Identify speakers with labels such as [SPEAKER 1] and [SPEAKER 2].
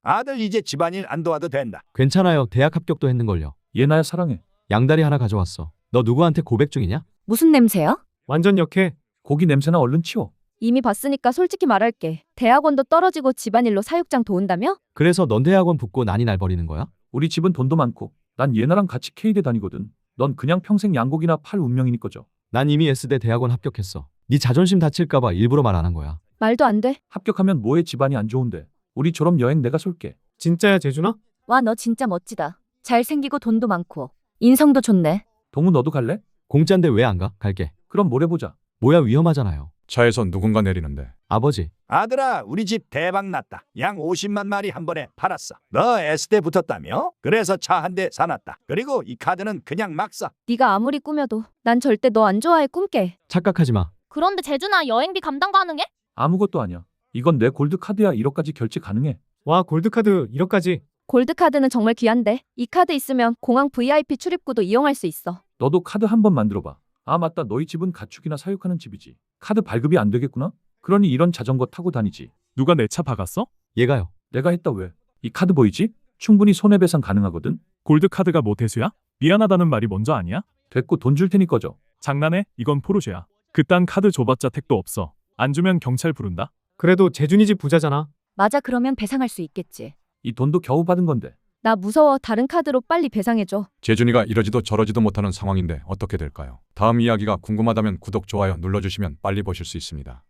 [SPEAKER 1] 아들 이제 집안일 안 도와도 된다.
[SPEAKER 2] 괜찮아요. 대학 합격도 했는걸요.
[SPEAKER 3] 얘 나야 사랑해.
[SPEAKER 2] 양다리 하나 가져왔어. 너 누구한테 고백 중이냐?
[SPEAKER 4] 무슨 냄새야?
[SPEAKER 5] 완전 역해.
[SPEAKER 3] 고기 냄새나 얼른 치워.
[SPEAKER 4] 이미 봤으니까 솔직히 말할게. 대학원도 떨어지고 집안일로 사육장 도운다며?
[SPEAKER 2] 그래서 넌 대학원 붙고 난이 날 버리는 거야?
[SPEAKER 3] 우리 집은 돈도 많고 난 얘나랑 같이 K대 다니거든. 넌 그냥 평생 양고기나 팔 운명이니까죠.
[SPEAKER 2] 난 이미 S대 대학원 합격했어. 네 자존심 다칠까봐 일부러 말 안 한 거야.
[SPEAKER 4] 말도 안 돼.
[SPEAKER 3] 합격하면 뭐해 집안이 안 좋은데. 우리 졸업 여행 내가 쏠게.
[SPEAKER 5] 진짜야 재준아?
[SPEAKER 4] 와, 너 진짜 멋지다. 잘생기고 돈도 많고. 인성도 좋네.
[SPEAKER 3] 동우 너도 갈래?
[SPEAKER 2] 공짜인데 왜 안 가? 갈게.
[SPEAKER 3] 그럼 모레 보자.
[SPEAKER 2] 뭐야 위험하잖아요.
[SPEAKER 6] 차에서 누군가 내리는데
[SPEAKER 2] 아버지.
[SPEAKER 1] 아들아, 우리 집 대박 났다. 양 50만 마리 한 번에 팔았어. 너 S대 붙었다며? 그래서 차 한 대 사놨다. 그리고 이 카드는 그냥 막 써.
[SPEAKER 4] 네가 아무리 꾸며도 난 절대 너 안 좋아해 꿈깨.
[SPEAKER 2] 착각하지 마.
[SPEAKER 7] 그런데 재준아 여행비 감당 가능해?
[SPEAKER 3] 아무것도 아니야. 이건 내 골드카드야. 1억까지 결제 가능해.
[SPEAKER 5] 와 골드카드 1억까지.
[SPEAKER 4] 골드카드는 정말 귀한데 이 카드 있으면 공항 VIP 출입구도 이용할 수 있어.
[SPEAKER 3] 너도 카드 한번 만들어봐. 아 맞다. 너희 집은 가축이나 사육하는 집이지. 카드 발급이 안 되겠구나? 그러니 이런 자전거 타고 다니지.
[SPEAKER 5] 누가 내 차 박았어?
[SPEAKER 2] 얘가요.
[SPEAKER 3] 내가 했다 왜? 이 카드 보이지? 충분히 손해배상 가능하거든?
[SPEAKER 5] 골드카드가 뭐 대수야? 미안하다는 말이 먼저 아니야?
[SPEAKER 3] 됐고 돈 줄 테니 꺼져.
[SPEAKER 5] 장난해? 이건 포르쉐야. 그딴 카드 줘봤자 택도 없어. 안 주면 경찰 부른다. 그래도 재준이 집 부자잖아.
[SPEAKER 4] 맞아, 그러면 배상할 수 있겠지.
[SPEAKER 3] 이 돈도 겨우 받은 건데.
[SPEAKER 4] 나 무서워. 다른 카드로 빨리 배상해줘.
[SPEAKER 6] 재준이가 이러지도 저러지도 못하는 상황인데 어떻게 될까요? 다음 이야기가 궁금하다면 구독, 좋아요 눌러주시면 빨리 보실 수 있습니다.